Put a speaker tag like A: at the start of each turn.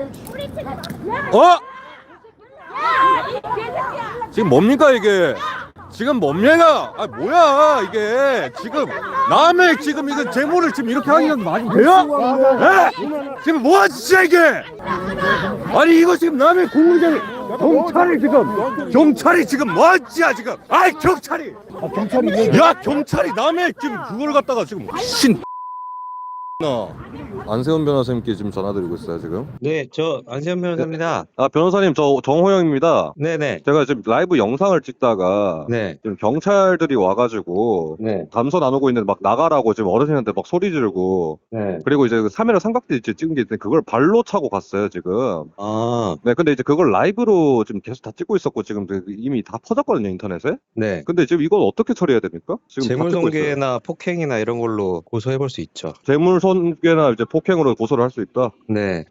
A: 어? 지금 뭡니까 이게? 지금 뭡니까? 아 뭐야 이게? 지금 남의 지금 이거 재물을 지금 이렇게 하기가 말이 돼요? 예? 지금 뭐하지 이게? 아니 이거 지금 남의 공무장이 경찰이 지금 뭐하지야 지금? 아이 경찰이! 야 경찰이 남의 지금 그걸 갖다가 지금 신 안세훈 변호사님께 지금 전화드리고 있어요 지금.
B: 네, 저 안세현 변호사입니다.
A: 아 변호사님 저 정호영입니다.
B: 네네.
A: 제가 지금 라이브 영상을 찍다가
B: 네.
A: 지금 경찰들이 와가지고
B: 네.
A: 담소 나누고 있는데 막 나가라고 지금 어르신한테 막 소리 지르고
B: 네.
A: 그리고 이제 그 카메라 삼각대 찍은 게 있는데 그걸 발로 차고 갔어요 지금.
B: 아,
A: 네 근데 이제 그걸 라이브로 지금 계속 다 찍고 있었고 지금 이미 다 퍼졌거든요 인터넷에.
B: 네.
A: 근데 지금 이걸 어떻게 처리해야 됩니까? 지금 다 찍고 있어요.
B: 재물손괴나 폭행이나 이런 걸로 고소해 볼 수 있죠.
A: 재물손괴나 이제 폭행으로 고소를 할 수 있다.
B: 네.